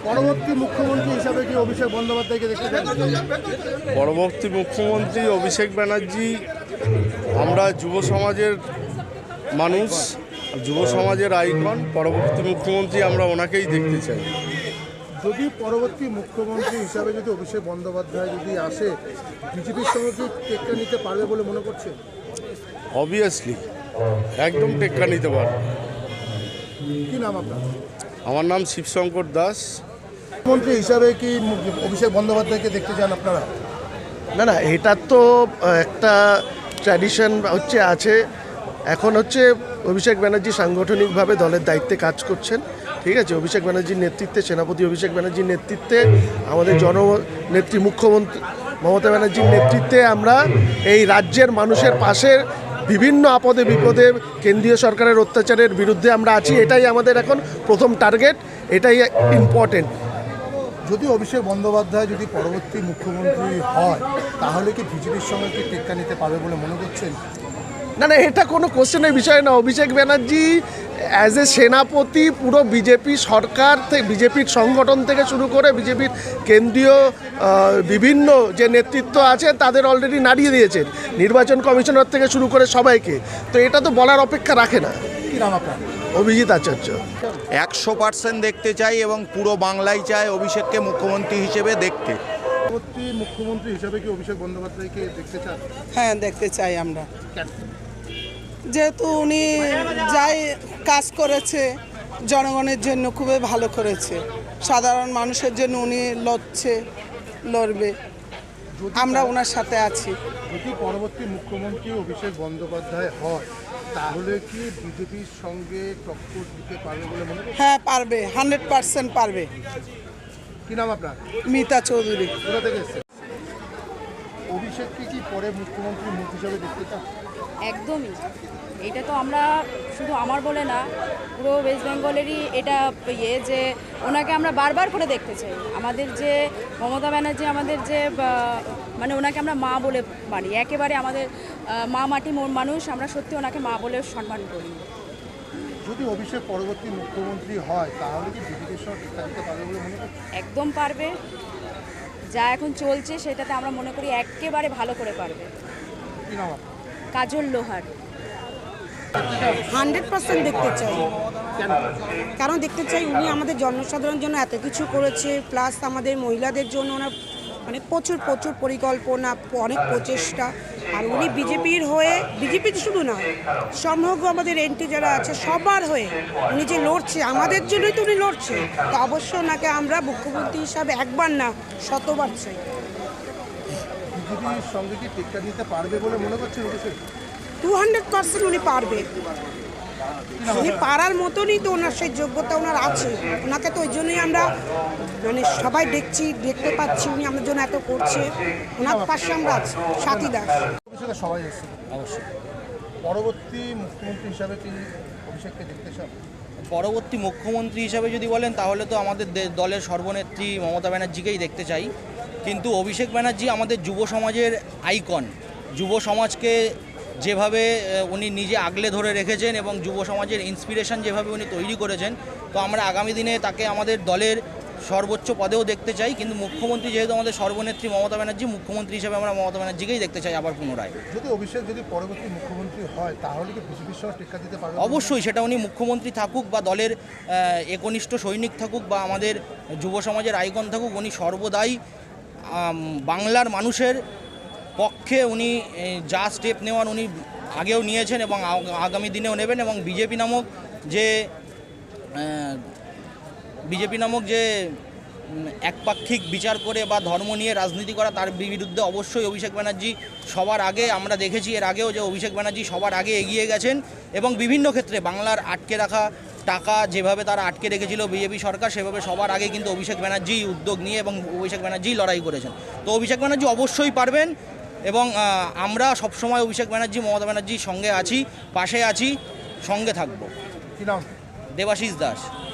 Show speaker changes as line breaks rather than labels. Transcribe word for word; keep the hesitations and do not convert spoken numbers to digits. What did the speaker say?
পরবর্তী মুখ্যমন্ত্রী হিসাবে কি অভিষেক বন্দ্যোপাধ্যায়কে দেখতে চান?
পরবর্তী মুখ্যমন্ত্রী অভিষেক ব্যানার্জি, আমরা যুব সমাজের মানুষ, যুব সমাজের আইকন। পরবর্তী মুখ্যমন্ত্রী আমরা ওনাকেই দেখতে চাই।
যদি পরবর্তী মুখ্যমন্ত্রী হিসাবে যদি অভিষেক বন্দ্যোপাধ্যায় যদি আসে, বিজেপির সঙ্গে কি টেক্কা নিতে পারবে বলে মনে করছে?
অবভিয়াসলি একদম টেক্কা নিতে পারবে।
কি নাম আপনার?
আমার নাম শিবশঙ্কর দাস।
মুখ্যমন্ত্রী হিসাবে কি অভিষেক বন্দ্যোপাধ্যায়কে দেখতে চান আপনারা?
না না, এটা তো একটা ট্র্যাডিশন হচ্ছে আছে। এখন হচ্ছে অভিষেক ব্যানার্জি সাংগঠনিকভাবে দলের দায়িত্বে কাজ করছেন, ঠিক আছে। অভিষেক ব্যানার্জির নেতৃত্বে, সেনাপতি অভিষেক ব্যানার্জির নেতৃত্বে, আমাদের জননেত্রী মুখ্যমন্ত্রী মমতা ব্যানার্জির নেতৃত্বে আমরা এই রাজ্যের মানুষের পাশে বিভিন্ন আপদে বিপদে কেন্দ্রীয় সরকারের অত্যাচারের বিরুদ্ধে আমরা আছি। এটাই আমাদের এখন প্রথম টার্গেট, এটাই ইম্পর্টেন্ট।
যদি অভিষেক বন্দ্যোপাধ্যায় যদি পরবর্তী মুখ্যমন্ত্রী হয়, তাহলে কি বিজেপির সঙ্গে কি টেক্কা নিতে পারবে বলে মনে করছেন?
না না, এটা কোনো কোশ্চেনের বিষয় না। অভিষেক ব্যানার্জি অ্যাজ এ সেনাপতি পুরো বিজেপি সরকার থেকে, বিজেপির সংগঠন থেকে শুরু করে বিজেপির কেন্দ্রীয় বিভিন্ন যে নেতৃত্ব আছে তাদের অলরেডি নাড়িয়ে দিয়েছেন, নির্বাচন কমিশনার থেকে শুরু করে সবাইকে। তো এটা তো বলার অপেক্ষা রাখে না।
কি নাম আপনার?
অভিজিৎ আচার্য।
একশো পার্সেন্ট দেখতে চাই এবং পুরো বাংলাই চায় অভিষেককে মুখ্যমন্ত্রী হিসেবে দেখতে।
পরবর্তী মুখ্যমন্ত্রী হিসাবে কি অভিষেক বন্দ্যোপাধ্যায়কে দেখতে চান?
হ্যাঁ, দেখতে চাই আমরা, যেহেতু উনি যাই কাজ করেছে জনগণের জন্য খুবই ভালো করেছে। সাধারণ মানুষের জন্য উনি লড়ছে, লড়বে, আমরা ওনার সাথে আছি।
যদি পরবর্তী মুখ্যমন্ত্রী অভিষেক বন্দ্যোপাধ্যায় হয়, তাহলে কি বিজেপির সঙ্গে টক্কর দিতে পারবে বলে মনে করছেন?
হ্যাঁ, পারবে, হান্ড্রেড পার্সেন্ট পারবে।
কি নাম আপনার?
মিতা চৌধুরী।
কোথা থেকে এসেছেন? অভিষেককে কি পরে মুখ্যমন্ত্রী মুখ হিসাবে দেখতে চান?
একদমই। এটা তো আমরা শুধু আমার বলে না, পুরো ওয়েস্ট বেঙ্গলেরই এটা ইয়ে যে ওনাকে আমরা বারবার করে দেখতে চাই। আমাদের যে মমতা ব্যানার্জি, আমাদের যে মানে ওনাকে আমরা মা বলে মানি, একেবারে আমাদের মা মাটি মানুষ, আমরা সত্যি ওনাকে মা বলে সম্মান করি।
যদি অভিষেক পরবর্তী মুখ্যমন্ত্রী হয়, তাহলে কি বিজেপির সঙ্গে টেক্কা দিতে পারবে বলে মনে করছেন?
একদম পারবে। যা এখন চলছে সেটাতে আমরা মনে করি একেবারে ভালো করে পারবে।
কি নাম আপনার?
কাজল লোহার।
হান্ড্রেড পার্সেন্ট দেখতে চাই। কারণ দেখতে চাই উনি আমাদের জনসাধারণের জন্য এত কিছু করেছে, প্লাস আমাদের মহিলাদের জন্য ওনার মানে প্রচুর প্রচুর পরিকল্পনা, অনেক প্রচেষ্টা। আর উনি বিজেপির হয়ে, বিজেপির শুধু না, সমগ্র আমাদের এনটি যারা আছে সবার হয়ে উনি যে লড়ছে, আমাদের জন্যই তো উনি লড়ছে। তো অবশ্যই ওনাকে আমরা মুখ্যমন্ত্রী হিসাবে একবার না শতবার চাই।
বিজেপির সঙ্গে কি টেক্কা দিতে পারবে বলে মনে করছেন অভিষেক?
টু হান্ড্রেড পার্সেন্ট উনি পারবে। উনি পারার মতনই তো ওনার সেই যোগ্যতা ওনার আছে। ওনাকে তো ওই জন্যই আমরা মানে সবাই দেখছি, দেখতে পাচ্ছি উনি আমাদের জন্য এত করছে। ওনার পাশে আমরা আছি, সাথী দাস।
অভিষেকে সবাই এসেছে, অবশ্যই। পরবর্তী মুখ্যমন্ত্রী হিসাবে কি অভিষেককে দেখতে চান?
পরবর্তী মুখ্যমন্ত্রী হিসাবে যদি বলেন তাহলে তো আমাদের দলের সর্বনেত্রী মমতা ব্যানার্জিকেই দেখতে চাই। কিন্তু অভিষেক ব্যানার্জি আমাদের যুব সমাজের আইকন। যুব সমাজকে যেভাবে উনি নিজে আগলে ধরে রেখেছেন এবং যুব সমাজের ইন্সপিরেশন যেভাবে উনি তৈরি করেছেন, তো আমরা আগামী দিনে তাকে আমাদের দলের সর্বোচ্চ পদেও দেখতে চাই। কিন্তু মুখ্যমন্ত্রী যেহেতু আমাদের সর্বনেত্রী মমতা ব্যানার্জি, মুখ্যমন্ত্রী হিসেবে আমরা মমতা ব্যানার্জিকেই দেখতে চাই আবার পুনরায়।
যদি অভিষেক যদি পরবর্তী মুখ্যমন্ত্রী হয়, তাহলে কি বিজেপির সঙ্গে টেক্কা দিতে পারবে?
অবশ্যই, সেটা উনি মুখ্যমন্ত্রী থাকুক বা দলের একনিষ্ঠ সৈনিক থাকুক বা আমাদের যুব সমাজের আইকন থাকুক, উনি সর্বদাই বাংলার মানুষের পক্ষে উনি যা স্টেপ নেওয়ার উনি আগেও নিয়েছেন এবং আগামী দিনেও নেবেন। এবং বিজেপি নামক যে বিজেপি নামক যে একপাক্ষিক বিচার করে বা ধর্ম নিয়ে রাজনীতি করা, তার বিরুদ্ধে অবশ্যই অভিষেক ব্যানার্জি সবার আগে, আমরা দেখেছি এর আগেও যে অভিষেক ব্যানার্জি সবার আগে এগিয়ে গেছেন এবং বিভিন্ন ক্ষেত্রে বাংলার আটকে রাখা টাকা যেভাবে তারা আটকে রেখেছিল বিজেপি সরকার, সেভাবে সবার আগে কিন্তু অভিষেক ব্যানার্জি উদ্যোগ নিয়ে এবং অভিষেক ব্যানার্জি লড়াই করেছেন। তো অভিষেক ব্যানার্জি অবশ্যই পারবেন এবং আমরা সবসময় অভিষেক ব্যানার্জি মমতা ব্যানার্জির সঙ্গে আছি, পাশে আছি, সঙ্গে থাকবো।
কি নাম?
দেবাশিস দাস।